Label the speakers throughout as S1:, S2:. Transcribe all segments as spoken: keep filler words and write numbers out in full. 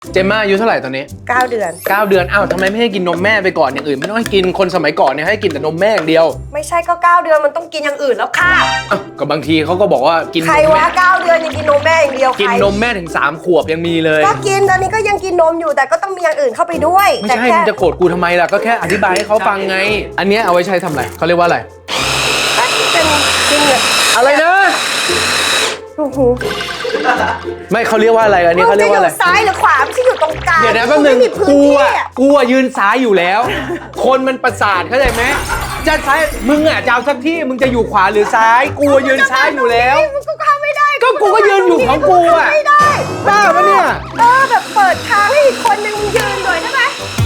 S1: เจมม่าอายุเท่าไหร่ตอนนี้
S2: เก้าเดือน
S1: เก้าเดือนอ้าวทำไมไม่ให้กินนมแม่ไปก่อนอย่างอื่นไม่ต้องให้กินคนสมัยก่อนเนี่ยให้กินแต่นมแม่อย่างเดียว
S2: ไม่ใช่ก็เก้าเดือนมันต้องกินอย่างอื่นแล้วค่ะ
S1: อ้าวก็บางทีเขาก็บอกว่ากิน
S2: ใครวะเก้าเดือนยังกินนมแม่อย่างเดียว
S1: กินนมแม่ถึงสามขวบยังมีเลย
S2: ก็กินตอนนี้ก็ยังกินนมอยู่แต่ก็ต้องมีอย่างอื่นเข้าไปด้วย
S1: ไม่ใช่มึงจะโกรธกูทำไมล่ะก็แค่อธิบายให้เขาฟังไงอันนี้เอาไว้ใช้ทำอะไรเขาเรียกว่าอะไร
S2: ก็เป็นกินเนี่ย
S1: อะไรนะ
S2: โอ้โห
S1: ไม่เขาเรียกว่าอะไรอันนี้เขาเรียกว่าอะไร
S2: ซ้ายหรือขวาไม่ใช่อยู่ตรงกลาง
S1: เดี๋ยวนะแป๊บนึงกูอ่ะกูอ่ะยืนซ้ายอยู่แล้วคนมันประสาทเข้าใจไหมจะซ้ายมึงอ่ะจะเอาสักที่มึงจะอยู่ขวาหรือซ้ายกูยืนซ้ายอยู่แล้ว
S2: มึงก็เข้าไม่ได้
S1: ก็กูก็ยืนอยู่ของกูอ่ะ
S2: ไม่ได้
S1: บ้าปะเนี่ย
S2: เออแบบเปิดทางให้อีกคนนึงยืนหน่อยได้ไหม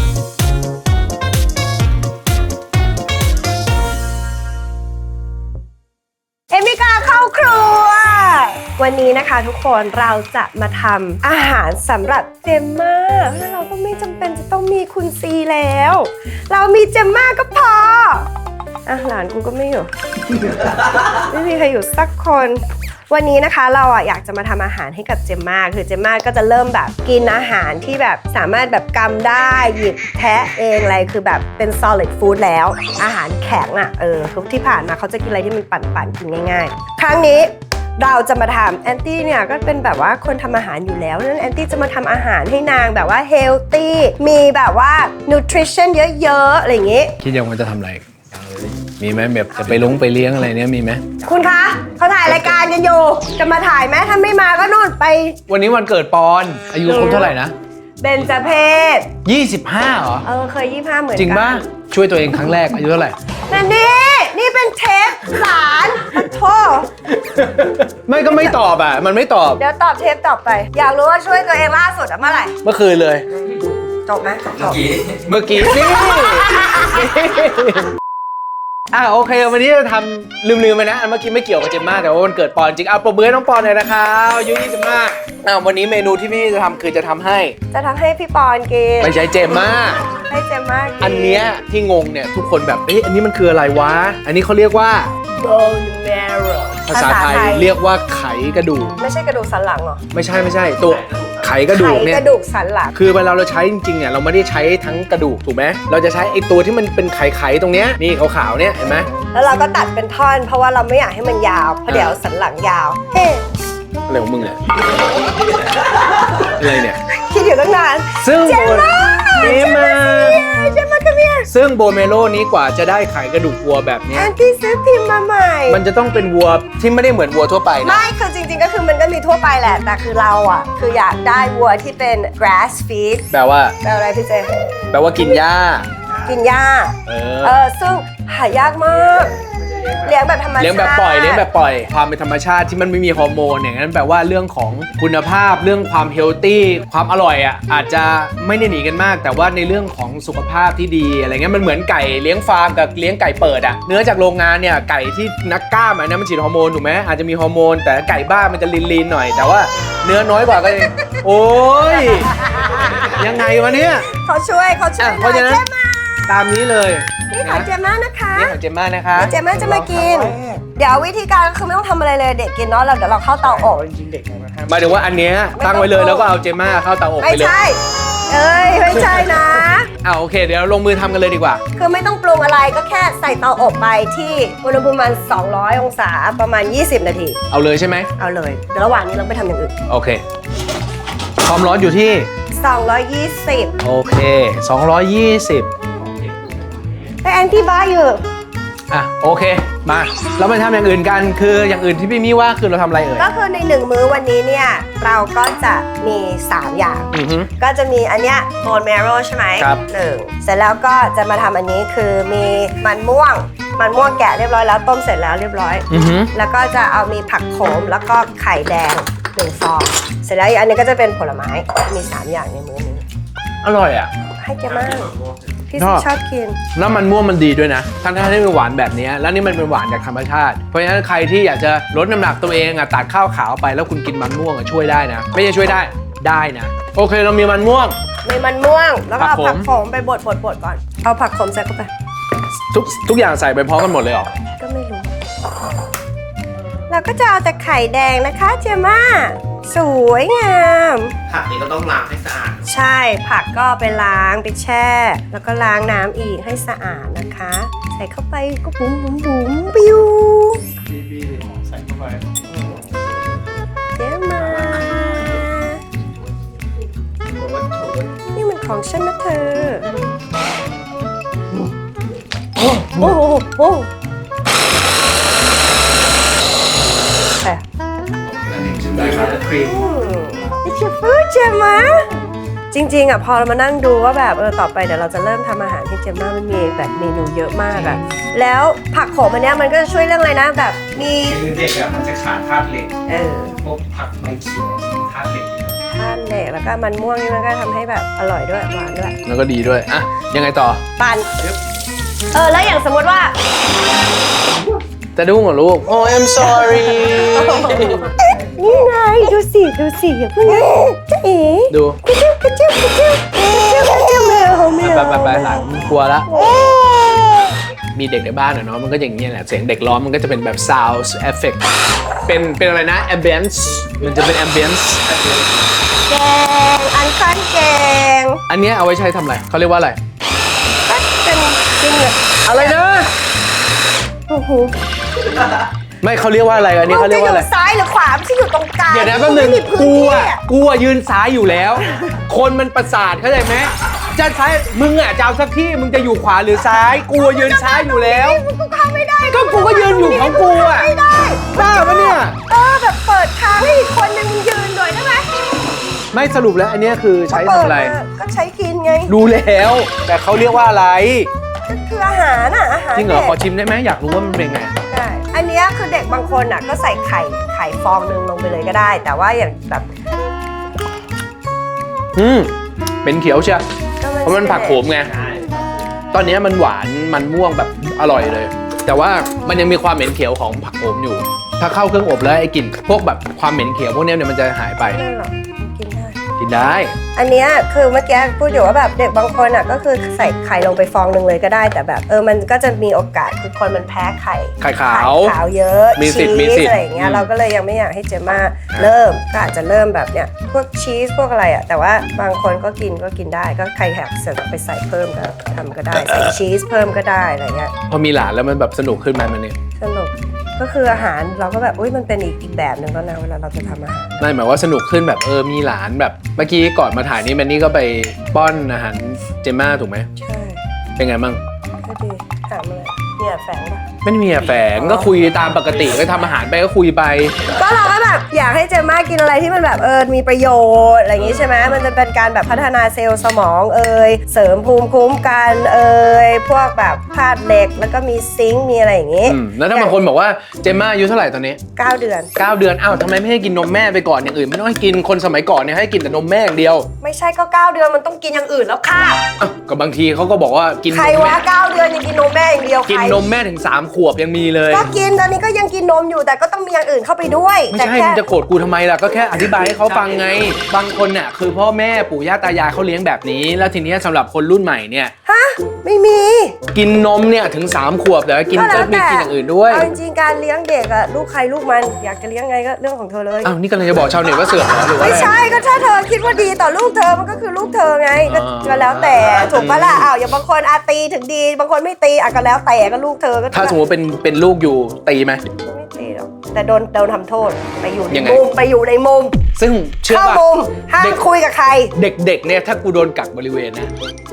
S2: เอมิกาเข้าครัววันนี้นะคะทุกคนเราจะมาทำอาหารสำหรับเจมม่าแล้วเราก็ไม่จำเป็นจะต้องมีคุณซีแล้วเรามีเจมม่าก็พออ่ะหลานกูก็ไม่อยู่ ไม่มีใครอยู่สักคนวันนี้นะคะเราอ่ะอยากจะมาทำอาหารให้กับเจมม่าคือเจมม่าก็จะเริ่มแบบกินอาหารที่แบบสามารถแบบกำได้หยิบแทะเองอะไรคือแบบเป็น solid food แล้วอาหารแข็งอ่ะเออทุกที่ผ่านมาเขาจะกินอะไรที่มันปั่นๆกินง่ายๆครั้งนี้เราจะมาทำแอนตี้เนี่ยก็เป็นแบบว่าคนทำอาหารอยู่แล้วนั้นแอนตี้จะมาทำอาหารให้นางแบบว่าเฮลตี้มีแบบว่านูทริชั่นเยอะๆอะไรอย่างงี้
S1: คิดยังว่าจะทำอะไรมีไหมแบบจะไปลงไปเลี้ยงอะไรเนี้ยมีไหม
S2: คุณคะเขาถ่ายรายการกันอยู่จะมาถ่ายไหมถ้าไม่มาก็นู่นไป
S1: วันนี้วันเกิดปอนอายุครบเท่าไหร่นะ
S2: เบญจเพศ
S1: ยี่สิบห้าเหรอ
S2: เออเคยยี่สิบห้าเหมือนกัน
S1: จริงป่ะช่วยตัวเองครั้งแรกอายุเท่าไหร่
S2: นั่นนี่นี่เป็นเทปหลานโทษ
S1: ไม่ก็ไม่ตอบอ่ะมันไม่ตอบ
S2: เดี๋ยวตอบเทปต่อไปอยากรู้ว่าช่วยตัวเองล่าสุดอะเมื่อไหร่
S1: เมื่อคืนเลย
S2: จบไหมจบ
S1: เมื่อกี้นี่อ่ะโอเควันนี้จะทำลืมๆไปนะอันเมื่อกี้ไม่เกี่ยวกับเจมม่าแต่ว่าวันเกิดปอนจริงเอาปรบมือให้น้องปอนเลยนะครับอายุยี่สิบห้าอ่ะวันนี้เมนูที่พี่จะทำคือจะทำให้
S2: จะทำให้พี่ปอนกิน
S1: ไม่ใช่เจมม่า
S2: ให้เจมม่ากิน
S1: อันเนี้ยที่งงเนี่ยทุกคนแบบเอ๊ะอันนี้มันคืออะไรวะอันนี้เขาเรียกว่า
S2: bone marrow
S1: ภาษาไทยเรียกว่าไขกระดูก
S2: ไม่ใช่กระดูกสันหลังหรอ
S1: ไม่ใช่ไม่ใช่ตัวไขกระดูกเนี่ย
S2: ไขกระดูกสันหลัง
S1: คือเวลาเราใช้จริงๆเนี่ยเราไม่ได้ใช้ทั้งกระดูกถูกไหมเราจะใช้ไอ้ตัวที่มันเป็นไขๆตรงเนี้ยนี่ขาวๆเนี่ยเห็นไหม
S2: แล้วเราก็ตัดเป็นท่อนเพราะว่าเราไม่อยากให้มันยาวเพราะเดี๋ยวสันหลังยาวเฮ้
S1: อะไรของมึงเนี่ยอะไรเนี่ย
S2: คิดอยู่ตั้งนาน
S1: ซึ่ง
S2: เจมม่า
S1: เจมม่า
S2: เจมม่าคัมเฮีย
S1: ซึ่งโบเมโลนี้กว่าจะได้ไขกระดูกวัวแบบนี้
S2: แอนตี้ซื้อพิมพ์มาใหม่
S1: มันจะต้องเป็นวัวที่ไม่ได้เหมือนวัวทั่วไปนะ
S2: ไม่คือจริงๆก็คือมันก็มีทั่วไปแหละแต่คือเราอ่ะคืออยากได้วัวที่เป็น grass feed
S1: แปลว่า
S2: แปลว่าอะไรพี่เจ
S1: แปลว่ากินหญ้า
S2: กินหญ้า
S1: เออ
S2: เออซึ่งหายากมากเลี้ยงแบบธรรมชาติ
S1: เลี้ยงแบบปล่อยเลี้ยงแบบปล่อยความเป็นธรรมชาติที่มันไม่มีฮอร์โมนอย่างนั้นแปลว่าเรื่องของคุณภาพเรื่องความเฮลตี้ความอร่อยอ่ะอาจจะไม่ได้หนีกันมากแต่ว่าในเรื่องของสุขภาพที่ดีอะไรเงี้ยมันเหมือนไก่เลี้ยงฟาร์มกับเลี้ยงไก่เปิดอ่ะเนื้อจากโรงงานเนี่ยไก่ที่นักกล้ามอันนั้นมันฉีดฮอร์โมนถูกไหมอาจจะมีฮอร์โมนแต่ไก่บ้านมันจะลีนๆหน่อยแต่ว่าเนื้อน้อยกว่าก็โอ้ยยังไงวะเนี่ย
S2: เขาช่วยเขาช่วย
S1: เพราะฉะนั้นตามนี้เลย
S2: นี่ของเจมม่านะคะ
S1: นี่ของเจมม่านะคะ
S2: เจมม่าจะมากินเดี๋ยววิธีการก็คือไม่ต้องทำอะไรเลยเด็กกินเนาะเราเดี๋ยวเราเข้าเตาอบ
S1: จริงๆเด็กหมายถึงว่าอันเนี้ยตั้งไว้เลยแล้วก็เอาเจมม่าเข้าเตาอบไปเลย
S2: ไม่ใช่เอ้ยไม่ใช่นะ
S1: อ่าโอเคเดี๋ยวลงมือทำกันเลยดีกว่า
S2: คือไม่ต้องปรุงอะไรก็แค่ใส่เตาอบไปที่อุณหภูมิประมาณสองร้อยองศาประมาณยี่สิบนาที
S1: เอาเลยใช่ไหม
S2: เอาเลยเดี๋ยวระหว่างนี้เราไปทำอย่างอื่น
S1: โอเคความร้อนอยู่ที่
S2: สองร้อยยี่สิบ
S1: โอเคสองร้อยยี่สิบ
S2: แต่แอนตี้บ้าอยู่
S1: อ่ะโอเคมาเราไปทำอย่างอื่นกันคืออย่างอื่นที่พี่มี่ว่าคือเราทำอะไรเอ่ย
S2: ก็คือในหนึ่งมื้อวันนี้เนี่ยเราก็จะมีสามอย่างก็จะมีอันเนี้ย bone marrow ใช่ไหม
S1: ครับ
S2: หนึ่งเสร็จแล้วก็จะมาทำอันนี้คือมีมันม่วงมันม่วงแกะเรียบร้อยแล้วต้มเสร็จแล้วเรียบร้อยแล้วก็จะเอามีผักโขมแล้วก็ไข่แดงหนึ่งฟองเสร็จแล้วอีกอันนี้ก็จะเป็นผลไม้มีสามอย่างในมื้อนี้
S1: อร่อยอ่ะ
S2: ให้แกมากพี่ชอบกิน
S1: แล้วมันม่วงมันดีด้วยนะทั้งที่ไม่หวานแบบนี้แล้วนี่มันเป็นหวานจากธรรมชาติเพราะฉะนั้นใครที่อยากจะลดน้ำหนักตัวเองอ่ะตัดข้าวขาวไปแล้วคุณกินมันม่วงอ่ะช่วยได้นะไม่ใช่ช่วยได้ได้นะโอเคเรามีมันม่วง
S2: มีมันม่วงแล้วก็เอาผักโขมไปบดบดบดก่อนเอาผักโขมใส่เข้าไป
S1: ทุกทุกอย่างใส่ไปพร้อมกันหมดเลยเหรอ
S2: ก็ไม่รู้เราก็จะเอาแต่ไข่แดงนะคะเจม่าสวยงาม
S1: ผักนี้ก็ต้องล้างให้สะอาด
S2: ใช่ผักก็ไปล้างไปแช่ แล้วก็ล้างน้ำอีกให้สะอาดนะคะ ใส่เข้าไปก็บุ๋มบุ๋มบุ๋มปิ้ว
S1: บีบีใส่เข้าไป
S2: เดี๋ยวมา นี่มันของฉันนะเธอ โอ้โหโอ้แต่
S1: ได้ครับครีม
S2: นี่คือฟูดเจมมาจริงๆอ่ะพอเรามานั่งดูว่าแบบเออต่อไปเดี๋ยวเราจะเริ่มทำอาหารที่เจมมามันมีแบบเมนูเยอะมากอ่ะแล้วผักโขมอันเนี้ยมันก็จะช่วยเรื่องอะไรนะแบบมี
S1: คือเด็กอะมันจะขาดธาตุเหล็ก
S2: เออ
S1: พวกผักใบเขียวธาตุเหล็ก
S2: ธาตุเหล็กแล้วก็มันม่วงนี่มันก็ทำให้แบบอร่อยด้วยหวานด้วย
S1: แล้วก็ดีด้วยอ่ะยังไงต่อ
S2: ปันเออแล้วอย่างสมมติว่า
S1: จะดุ้งเหรอลูกโอ้ I'm sorry
S2: นี่ไงดูสิดูสิอย่าเพิ่งนะจ๊ะเอ๋
S1: ดู
S2: กระเจี๊ยบกระเจี๊ยบกระเจี๊ยบกระเจี๊ยบกระเจี๊ยบแมวแมว
S1: ไปไปไปหลังกลัวละมีเด็กในบ้านอะเนาะมันก็อย่างเงี้ยแหละเสียงเด็กร้องมันก็จะเป็นแบบ sound effect เป็นเป็นอะไรนะ ambience มันจะเป็น ambience
S2: แกงอันคันแกง
S1: อันเนี้ยเอาไว้ใช้ทำอะไรเขาเรียกว่าอะไร
S2: ก็เป็นจริงเลย
S1: อะไรนะ
S2: โอ้โห
S1: ไม่เขาเรียกว่าอะไรอันนี้เขาเรียกว่าอะไร
S2: มันจอยู่ซ้ายหรือขวาไม่ใช่อยู่ตรงกลาง
S1: เดี๋ยวนะแป๊บนึง
S2: ไม่มีพื้น
S1: กู
S2: ที่
S1: อ่ะ
S2: อะ
S1: กูอ่ะยืนซ้ายอยู่แล้ว คนมันประสาทเข้าใจไหมจะซ้ายมึงอ่ะจะเอาสักที่มึงจะอยู่ขวาหรือซ้าย กูยืนซ้ายอยู่แล้ว
S2: กูเข้าไม่ได้
S1: ก็กูก็ยืนอยู่ของกูอ่ะ
S2: ไม่ได้
S1: บ้าปะเนี่ย
S2: เออแบบเปิดทางให้อีกคนนึงยืนหน่อยได้ไหม
S1: ไม่สรุปแล้วอันเนี้ยคือใช้ทำอะไร
S2: เปิดมาก็ใช้กินไง
S1: รู้แล้ว แต่เขาเรียกว่าอะไร
S2: ก็คืออาหารอ่ะอาหาร
S1: จริงเหรอ
S2: ด็ก
S1: ขอชิมได้ไหมอยากรู้ว่ามันเป็นไง
S2: ใช่อันเนี้ยคือเด็กบางคนอ่ะก็ใส่ไข่ไข่ฟองหนึ่งลงไปเลยก็ได้ แต่ว่าอย่างแบบ
S1: อืมเป็นเขียวเชียว
S2: ก็
S1: เพราะมันผักโขมไงตอนเนี้ยมันหวานมันม่วงแบบอร่อยเลย แต่ว่ามันยังมีความเหม็นเขียวของผักโขมอยู่ ถ้าเข้าเครื่องอบแล้วไอ้กลิ่นพวกแบบความเหม็นเขียวพวกเนี้ยเนี่ยมันจะหายไป
S2: ไม่หรอกกินได้
S1: กินได้
S2: อันเนี้ยคือเมื่อกี้พูดอยู่ว่าแบบเด็กบางคนอ่ะก็คือใส่ไข่ลงไปฟองหนึ่งเลยก็ได้ แต่แบบเออมันก็จะมีโอกาสคือคนมันแพ้ไข่
S1: ไข่ขาว
S2: ไข่ขาวเยอะ
S1: มีสิทธิ์
S2: ชี
S1: มี
S2: ส
S1: สิทธิ์
S2: อะไรอย่างเงี้ย
S1: อืม
S2: เราก็เลยยังไม่อยากให้เจมมาเริ่มก็อาจจะเริ่มแบบเนี้ยพวกชีสพวกอะไรอ่ะแต่ว่าบางคนก็กินก็กินได้ก็ใครอยากเสริมไปใส่เพิ่มก็ทำก็ได้ใส่ชีสเพิ่มก็ได้อะไรเงี้ย
S1: พอมีหลานแล้วมันแบบสนุกขึ้นไหมมันเนี่ย
S2: สนุกก็คืออาหารเราก็แบบอุ้ยมันเป็นอีกอีกแบบหนึ่งแล้วนะเวลาเราจะทำอาหาร
S1: ไม่หมายว่าสนุกขึ้นแบบเออมีหลานแบบเมื่อกี้ก่อนมาถ่ายนี่แมนนี่ก็ไปป้อนอาหารเจม่าถูกไหม
S2: ใช่
S1: เป็นไงบ้าง
S2: ก็ดีถามเลยเนี่ยแฝงปะ
S1: ไม่ได้มีอะแฝงก็คุยตามปกติก็ทำอาหารไปก็คุยไป
S2: ก็เราก็แบบอยากให้เจมมากินอะไรที่มันแบบเออมีประโยชน์อะไรอย่างงี้ใช่ไหมมันจะเป็นการแบบพัฒนาเซลล์สมองเอ่ยเสริมภูมิคุ้มกันเอ่ยพวกแบบธาตุเหล็กแล้วก็มีซิงค์มีอะไรอย่างงี้
S1: อืมแล้วถ้าบางคนบอกว่าเจม่าอายุเท่าไหร่ตอนนี้
S2: เก้าเดือน
S1: เก้าเดือนอ้าวทำไมไม่ให้กินนมแม่ไปก่อนอย่างอื่นไม่ต้องให้กินคนสมัยก่อนเนี่ยให้กินแต่นมแม่อย่างเดียว
S2: ไม่ใช่ก็เก้าเดือนมันต้องกินอย่างอื่นแล้วค่ะ
S1: อ้าวก็บางทีเขาก็บอกว่ากินน
S2: ใคร
S1: ม
S2: วะ
S1: แม่
S2: เก้าเดือนยังกินนมแม่อย่างเดียว
S1: กิน
S2: ใคร
S1: นมแม่ถึงสามขวบยังมีเลย
S2: ก็กินตอนนี้ก็ยังกินนมอยู่แต่ก็ต้องมีอย่างอื่นเข้าไปด้วย
S1: ไม่
S2: แต่
S1: ใช่
S2: แค่
S1: มึงจะโกรธกูทำไมล่ะก็แค่อธิบายให้เขาฟังไง บางคนน่ะคือพ่อแม่ปู่ย่าตายายเขาเลี้ยงแบบนี้ แล้วทีเนี้ยสำหรับคนรุ่นใหม่เนี่ย
S2: ฮะไม่มี
S1: กินนมเนี่ยถึงสามขวบแล้วกินก็มีกินอย่างอื่นด้วย
S2: เอาจริงๆการเลี้ยงเด็กอะลูกใครลูกมันอยากจะเลี้ยงไงก็เรื่องของเธอเลย
S1: อ้าวนี่กำลังจะบอกชาวเน็ตว่าเสือกเหรอหรือว่า
S2: ไม่
S1: อะไร
S2: ใช่ก็ถ้าเธอคิดว่าดีต่อลูกเธอมันก็คือลูกเธอไงก็
S1: อ่า
S2: ก็แล้วแต่ถูกปะล่ะอ้าวอย่างบางคนอาตีถึงดี บางคนไม่ตีอ่ะก็แล้วแต่ก็ลูกเธอก็
S1: ถ้าสมมติเป็นเป็นลูกอยู่ตีไหม
S2: ไม่ตีหรอกแต่โดนโดนทำโทษไปอยู่ใน
S1: ยังไง
S2: มุมไปอยู่ในมุม
S1: ซึ่งเชื่อ
S2: เข้า
S1: ป่ะ
S2: มุมห้าม
S1: เด็ก
S2: คุยกับใคร
S1: เด็กๆเนี่ยถ้ากูโดนกักบริเวณนะ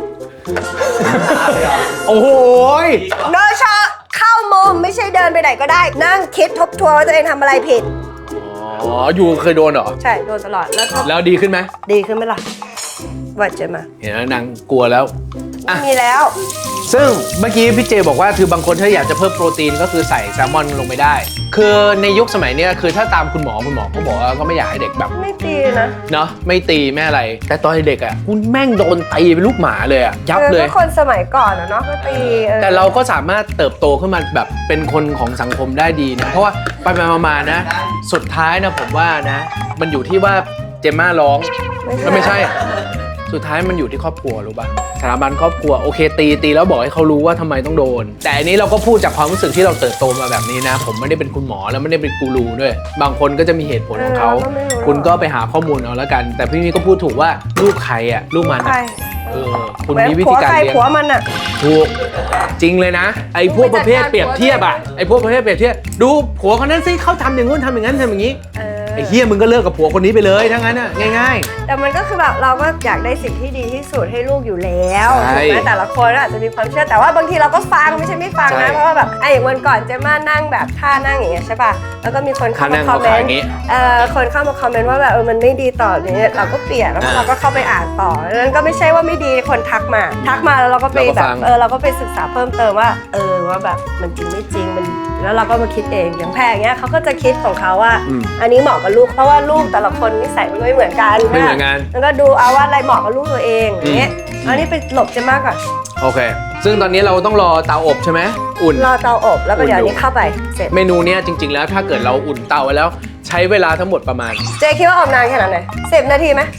S1: โอ้โหย
S2: โดยเฉพาะเข้ามุมไม่ใช่เดินไปไหนก็ได้ นั่งคิดทบทวนว่าตัวเองทำอะไรผิด
S1: อ๋ออยู่เคยโดนเหรอ
S2: ใช่โดนตลอดแล้วก็
S1: แล้วดีขึ้นไหม
S2: ดีขึ้นไหมล่ะวัดเจมา
S1: เห็นไหมนางกลัวแล้วอ่ะ
S2: มีแล้ว
S1: ซึ่งเมื่อกี้พี่เจบอกว่าคือบางคนถ้าอยากจะเพิ่มโปรตีนก็คือใส่แซลมอนลงไปได้ คือในยุคสมัยเนี้ยคือถ้าตามคุณหมอคุณหมอก็บอกว่าก็ไม่อยากให้เด็กแบบ
S2: ไม่ตีนะ
S1: เนาะไม่ตีไม่อะไร แต่ตอนเด็กอ่ะคุณแม่งโดนตีเป็นลูกหมาเลยอ่ะยับเลย
S2: ออก็คนสมัยก่อนอะเนาะก็ตีออ
S1: แต่เราก็สามารถเติบโตขึ้นมาแบบเป็นคนของสังคมได้ดีนะ เพราะว่าไปไปมาๆนะ สุดท้ายนะผมว่านะ มันอยู่ที่ว่าเจมม่าร้องแล้วไม่ใช่สุดท้ายมันอยู่ที่ครอบครัวรู้ป่ะสถาบันครอบครัวโอเคตีตีแล้วบอกให้เขารู้ว่าทำไมต้องโดนแต่อันนี้เราก็พูดจากความรู้สึกที่เราเติบโตมาแบบนี้นะผมไม่ได้เป็นคุณหมอแล้วไม่ได้เป็นกูรูด้วยบางคนก็จะมีเหตุผลของเขาคุณก็ไปหาข้อมูลเอาแล้วกันแต่พี่มีก็พูดถูกว่าลูกใครอ่ะลูกมันอะเออคุณมีวิธีการเลี้ยง
S2: ผัวมันอ่ะ
S1: ถูกจริงเลยนะไอ้พวกประเภทเปรียบเทียบอ่ะไอ้พวกประเภทเปรียบเทียบดูผัวคนนั้นสิเขาทำอย่างงู้นทำอย่างนั้นทำอย่างนี้ไอ้เฮียมึงก็เลิกกับผัวคนนี้ไปเลยทั้งนั้นอ่ะง่าย
S2: ๆแต่มันก็คือแบบเราก็อยากได้สิ่งที่ดีที่สุดให้ลูกอยู่แล้วถูกไหมแต่ละคนอาจจะมีความเชื่อแต่ว่าบางทีเราก็ฟังไม่ใช่ไม่ฟังนะเพราะว่าแบบไอ้อย่างวันก่อนเจม่านั่งแบบท่านั่งอย่างเงี้ยใช่ป่ะแล้วก็มีคนเข้ามาคอมเมนต์เอ่อคนเข้ามาคอมเมนต์ว่าแบบเออมันไม่ดีต่อเนี่ยเราก็เปลี่ยนแล้วเราก็เข้าไปอ่านต่อนั้นก็ไม่ใช่ว่าไม่ดีคนทักมาทักมาแล้วเราก็ไปแบบเออเราก็ไปศึกษาเพิ่มเติมว่าเออว่าแบบมันจริงไม่จริงมันแล้วเราก็มาคิดเองอย่างแพรอย่างเงี้ยเขาก็จะคิดของเขาว่าอันนี้เหมาะกับลูกเพราะว่าลูกแต่ละคนนิสัยมันไม่เหมือนกัน
S1: ไม่เหมือนกัน
S2: แล้วก็ดูเอาว่าอะไรเหมาะกับลูกตัวเองอย่างเงี้ยอันนี้ไปหลบจะมากก่อน
S1: โอเคซึ่งตอนนี้เราต้องรอเตาอบใช่ไหมอุ่น
S2: รอเตาอบแล้วก็เดี๋ยวนี้เข้าไปเสร็จ
S1: เมนูเนี้ยจริงๆแล้วถ้าเกิดเราอุ่นเตาไว้แล้วใช้เวลาทั้งหมดประมาณ
S2: เจคิดว่าอบนานแค่ไหนสิบนาทีไหม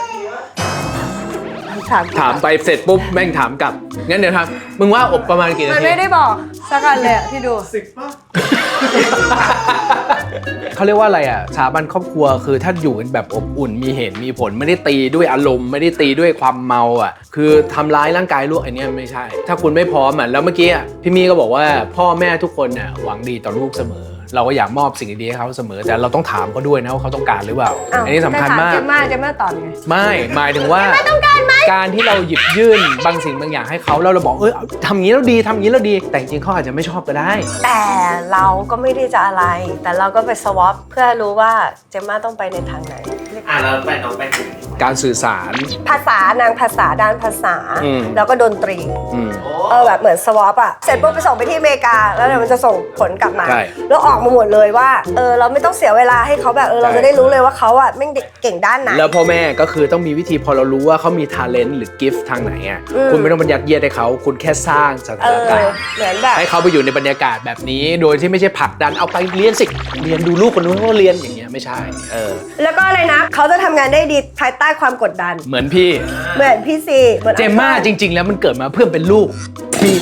S2: ถาม
S1: ถามไปเสร็จปุ๊บแม่งถามกลับงั้นเดี๋ยวทำมึงว่าอบประมาณกี่นาที
S2: มันไม่ได้บอกสักอันเลยที่ดูสิบป่ะ
S1: เขาเรียกว่าอะไรอ่ะสถาบันครอบครัวคือถ้าอยู่กันแบบอบอุ่นมีเหตุมีผลไม่ได้ตีด้วยอารมณ์ไม่ได้ตีด้วยความเมาอ่ะคือทำร้ายร่างกายลูกอันนี้ไม่ใช่ถ้าคุณไม่พร้อมอ่ะแล้วเมื่อกี้พี่มีก็บอกว่าพ่อแม่ทุกคนน่ะหวังดีต่อลูกเสมอเราก็อยากมอบสิ่งดีๆให้เขาเสมอแต่เราต้องถามเขาด้วยนะว่าเขาต้องการหรือเปล่าอันนี้สำคัญมาก
S2: จะมาจะมาตอบไง
S1: ไม่หมายถึงว่าการที่เราหยิบยื่นบางสิ่งบางอย่างให้เขาแล้วเราบอกเออทำอย่างนี้แล้วดีทำอย่างนี้แล้วดีแต่จริงๆเขาอาจจะไม่ชอบก็ได้
S2: แต่เราก็ไม่ได้จะอะไรแต่เราก็ไปสวอปเพื่อรู้ว่าเจมม่าต้องไปในทางไหน
S3: อ่ะเราไปน้องไป
S1: การสื่อสาร
S2: ภาษานางภาษาด้านภาษาแล้วก็ดนตรีเออแบบเหมือนสวอปอะเสร็จปุ๊บไปส่งไปที่อเมริกาแล้วเดี๋ยวมันจะส่งผลกลับมาแล้วออกมาหมดเลยว่าเออเราไม่ต้องเสียเวลาให้เขาแบบเออเราจะได้รู้เลยว่าเขาอะไม่เก่งด้านไหน
S1: แล้วพ่อแม่ก็คือต้องมีวิธีพอเรารู้ว่าเขามีทาเลนต์หรือกิฟต์ทางไหนอ่ะคุณไม่ต้องบัญญัติเยียดให้เขาคุณแค่สร้างสถานการณ์
S2: เหมือนแบบ
S1: ให้เขาไปอยู่ในบรรยากาศแบบนี้โดยที่ไม่ใช่ผลักดันเอาไปเรียนสิเรียนดูลูกคนนู้นเขาเรียนอย่างเงี้ยไม่ใช่เออ
S2: แล้วก็อะไรนะเขาจะทำงานได้ดีภายใต้ความกดดัน
S1: เหมือนพี่
S2: เหมือนพี่ซี
S1: เจมม่าจริงๆแล้วมันเกิดมาเพื่อเป็นลูกพี่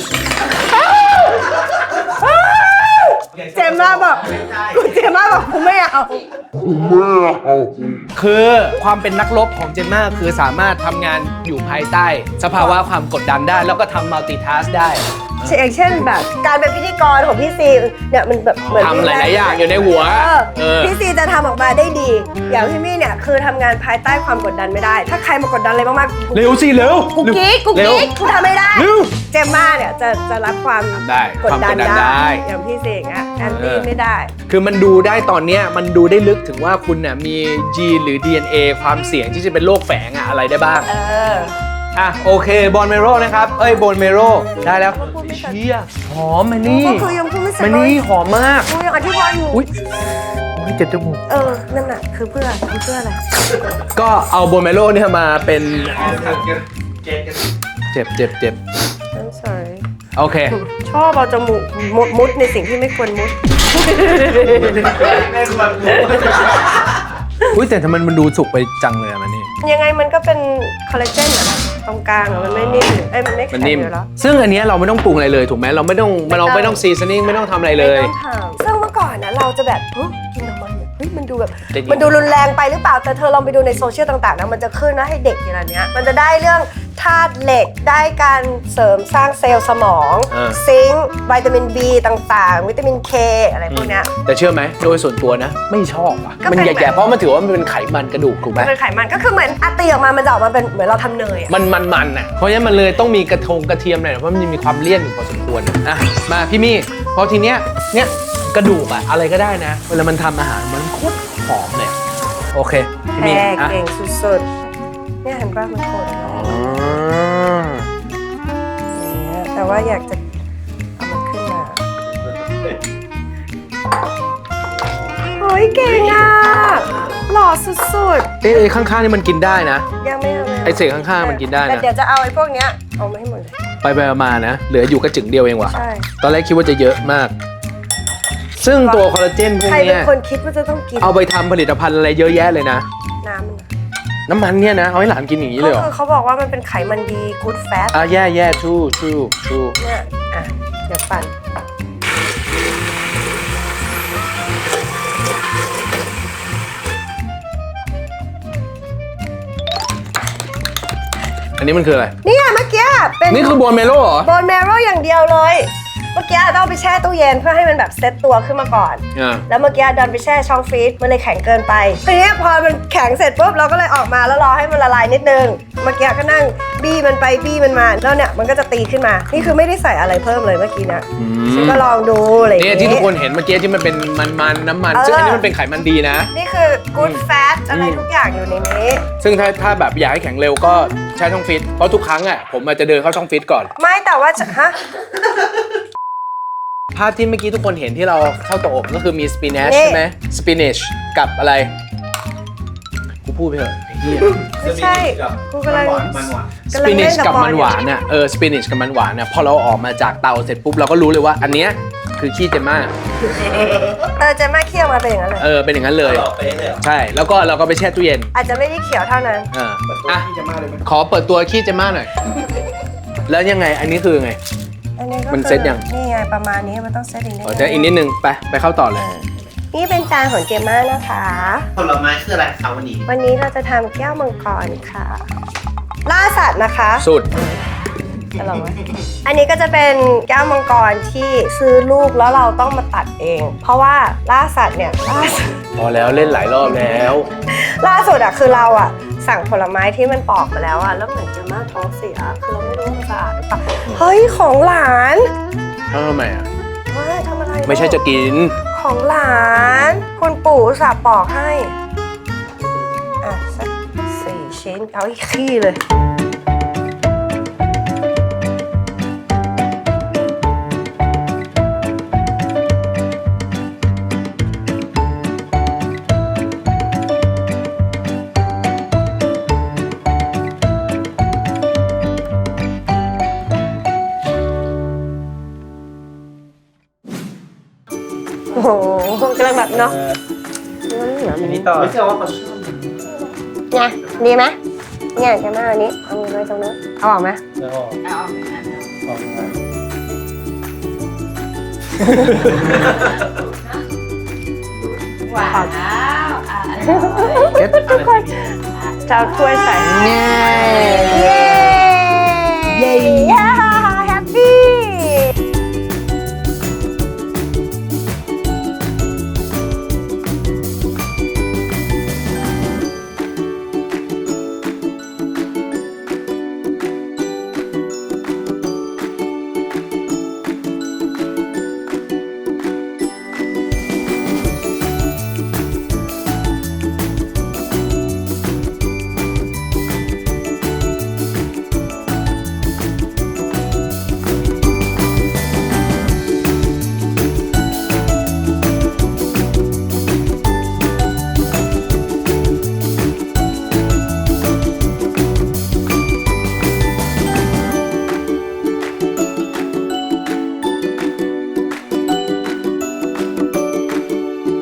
S2: เจมม่าบอกเจมม่าบอกกูไม่เอา
S1: คือความเป็นนักรบของเจมม่าคือสามารถทำงานอยู่ภายใต้สภาวะความกดดันได้แล้วก็ทำมัลติทัสได้
S2: อย่างเช่นแบบการเป็นพิธีกรของพี่ซีเนี่ยมันแบบเหมือน
S1: ทำหลายๆอย่างอยู่ในหัว
S2: พี่ซีจะทำออกมาได้ดีอย่างพี่มี่เนี่ยคือทำงานภายใต้ความกดดันไม่ได้ถ้าใครมากดดันอะไรมาก
S1: ๆเร็วสิเร็ว
S2: กูกิ๊กกูกิ๊กกูทำไม่ได้เจมม่าเนี่ยจะจะรับความกดดันได้อย่างพี่ซีอย่างเงี้ยแอนตี้ไม่ได้
S1: คือมันดูได้ตอนเนี้ยมันดูได้ลึกถึงว่าคุณน่ะมีจีนหรือ ดี เอ็น เอ ความเสี่ยงที่จะเป็นโรคแฝงอะอะไรได้บ้าง
S2: เออ
S1: อ่ะโอเคบอนเมโรนะครับเอ้ยบอนเมโรได้แล้วเชี่ยหอมมันนี่
S2: ก็คือยังพูดไม่เสร็จ
S1: มันนี่หอมมาก
S2: กูยังอธิบายอยู่
S1: อุ้ยเจ็บจมูก
S2: เออนั่นน่ะคือเพื่อคือเพื่ออะไร
S1: ก็เอาบอนเมโรเนี่ยมาเป็นเจ็บเจ็บเจ็บ
S2: I'm sorry
S1: โอเค
S2: ชอบเอาจมูกมุดในสิ่งที่ไม่ควรมุด
S3: ไม่ควรมุด
S1: อุ้ยแต่ทำไมมันดูสุกไปจังเลยอะมันนี่
S2: ยังไงมันก็เป็นคอลลาเจนอะตรงกลางอะมันไม่นิ่มไอ้มันไม่แข็งอยู่แล้ว
S1: ซึ่งอันนี้เราไม่ต้องปรุงอะไรเลยถูกไหมเราไม่ต้องเราไม่ต้องซีซันนิ่งไม่ต้องทำอะไรเลย
S2: ไม่ต้องทำซึ่งเมื่อก่อนนะเราจะแบบเฮ้ยกินทำไมเฮ้ยมันดูแบบมันดูรุนแรงไปหรือเปล่าแต่เธอลองไปดูในโซเชียลต่างๆนะมันจะขึ้นนะให้เด็กอย่างนี้มันจะได้เรื่องธาตุเหล็กได้การเสริมสร้างเซลล์สมองซิงค์วิตามิน B ต่างๆวิตามิน K อะไรพวกนี้
S1: แต่เชื่อไหมโดยส่วนตัวนะไม่ชอบอ่ะมันแย่ๆเพราะมันถือว่ามันเป็นไขมันกระดูกถูกไหม
S2: เป็นไขมันก็คือเหมือนอัตตีออกมามันจะออกมาเป็นเหมือนเราทำเนย
S1: มันมันมันอ่ะเพราะฉะนั้นมันเลยต้องมีกระทงกระเทียมหน่อยเพราะมันมีความเลี่ยนอยู่พอสมควรอ่ะมาพี่มี่พอทีเนี้ยเนี้ยกระดูกอะอะไรก็ได้นะเวลามันทำอาหารมันโคตรหอมเลยโอเค
S2: พี่มี่เก่งสุดๆเนี่ยเห็นป่ะมันโคตรแต่ว่าอยากจะเอามันขึ้นมาโอ้ยเก่งอ่ะหล่อสุด
S1: ๆเอ๊ะข้างๆนี่มันกินได้นะ
S2: ยังไม่เอา
S1: ไอเศษข้างๆมันกินได้นะ
S2: แต่เดี๋ยวจะเอาไอ้พวกเนี้ยเอามาให้หมดเลย
S1: ไปไปมานะเหลืออยู่กระจึงเดียวเองว่ะ
S2: ใช่
S1: ตอนแรกคิดว่าจะเยอะมากซึ่งตัวคอลลาเจนพวกนี้ใคร
S2: เป็นคนคิดว่าจะต้องกิน
S1: เอาไปทำผลิตภัณฑ์อะไรเยอะแยะเลยนะ
S2: น้ำมัน
S1: น้ำมันเนี่ยนะเอาให้หลานกินอย่างนี้เลยเหร
S2: ก็
S1: อ
S2: คือเขาบอกว่ามันเป็นไขมันดี good fat
S1: อ่ะแย่แย่ชู่ชู่ชู่
S2: เนี่ยอ่ะเดี๋ยวปั่น
S1: อันนี้มันคืออะไร
S2: เนี่ยเมื่อกี้เป็น
S1: นี่คือโบนเมโลเหรอ
S2: โบนแมโรอย่างเดียวเลย เมื่อกี้ต้องเอาไปแช่ตู้เย็นเพื่อให้มันแบบเซ็ตตัวขึ้นมาก่อน
S1: อ่า
S2: แล้วเมื่อกี้ดันไปแช่ช่องฟรีซมันเลยแข็งเกินไปทีนี้พอมันแข็งเสร็จปุ๊บเราก็เลยออกมาแล้วรอให้มันละลายนิดนึง เมื่อกี้ก็นั่งบี้มันไปบี้มันมาแล้วเนี่ยมันก็จะตีขึ้นมา นี่คือไม่ได้ใส่อะไรเพิ่มเลยเมื่อกี้นะฉันก็ลองดูอะไรอย่าง
S1: เนี่ย
S2: งี้
S1: ที่ทุกคนเห็นเมื่อกี้ที่มันเป็นมันๆน้ำมัน
S2: เออ
S1: ซึ่งอันนี้มันเป็นไขมันดีนะ
S2: นี่คือ good fat อะไร
S1: อืม
S2: ทุกอย่างอยู่ในนี้
S1: ซึ่งถ้าถ้าแบบอยากให้แข็งเร็วก็ใช้ช่องฟิตเพราะทุกครั้งอ่ะผมอาจจะเดินเข้าช่องฟิตก่อน
S2: ไม่แต่ว่าจะฮะ
S1: ภาพที่เมื่อกี้ทุกคนเห็นที่เราเข้าเตาอบก็คือมีสปินัช
S2: นี่
S1: ใช่ไหมสปินัชกับอะไรกูพูดไปเถอะไอ้เหี้ย
S2: ไม่ใช่กูกำลัง
S3: มันหวาน
S1: ส
S2: กำลั
S1: ปิ
S2: ง
S1: นั
S2: เล่
S1: ช
S2: น
S1: กับ
S2: บอล
S1: มันหวานน่ะเออสปินัชกับมันหวานน่ะพอเราออกมาจากเตาเสร็จปุ๊บเราก็รู้เลยว่าอันเนี้ยคือขี้เจมม่า
S2: เออเจะมาเคี่ยวมาเป็นอย่างนั้นเลย
S1: เออเป็นอย่างนั้นเลย
S3: หล่อเป๊ะเลยเหรอ
S1: ใช่แล้วก็เราก็ไปแช่ตู้เย็น
S2: อาจจะไม่ได้เขียวเท่านั้น
S1: เออ
S3: เปิดตัว
S1: อ่ะ
S3: ที่จะมาเลยไหม
S1: ขอเปิดตัวขี้เจมม่าหน่อยแล้วยังไงอันนี้คือไง
S2: อันนี้ก็
S1: มัน
S2: คือ
S1: เซ็ตยัง
S2: นี่ไงประมาณนี้มันต้องเซตอีกนิด
S1: อ๋อจะอีกนิดนึงไปไปเข้าต่อเลย
S2: นี่เป็นจานของเจมม่านะคะ
S3: ผลไม้คืออะไรคะวันนี้
S2: วันนี้เราจะทำแก้วมังกรค่ะ ล่าสัตว์นะคะ
S1: สุด
S2: จะลองไหมอันนี้ก็จะเป็นแก้วมังกรที่ซื้อลูกแล้วเราต้องมาตัดเอง เพราะว่าล่าสัตว์เนี่ยล่าสุด
S1: พอแล้วเล่นหลายรอบแล้ว
S2: ล่าสุดอะคือเราอะสั่งผลไม้ที่มันปอกมาแล้วอะแล้วเหมือนเจมม่าท้องเสียคือเราไม่รู้ว่ามันสะอาดหรือเปล่าเฮ้ยของหลาน
S1: ทำไมอ่ะ
S2: เฮ้ยทำอะไร
S1: ไม่ใช่จะกิน
S2: ของหลานคุณปู่อุตส่าห์ปอกให้ อ่ะ สักสี่ชิ้น เอาอีกขี้เลย โอ้โหกำลังแบบเนาะ
S3: อันนี้ต่อไม่เชื่อว่าเขาชอบ
S2: ไงดีไหมเนี่ยจะมาอันนี้ เอามือไว้ตรงนู้นเอาออกไหม
S3: แล้วก็เอาออกมา
S4: ว้าวอ่ะอันนี้
S1: เก็ต
S2: จะเอาถ้วยใส่
S1: ง่าย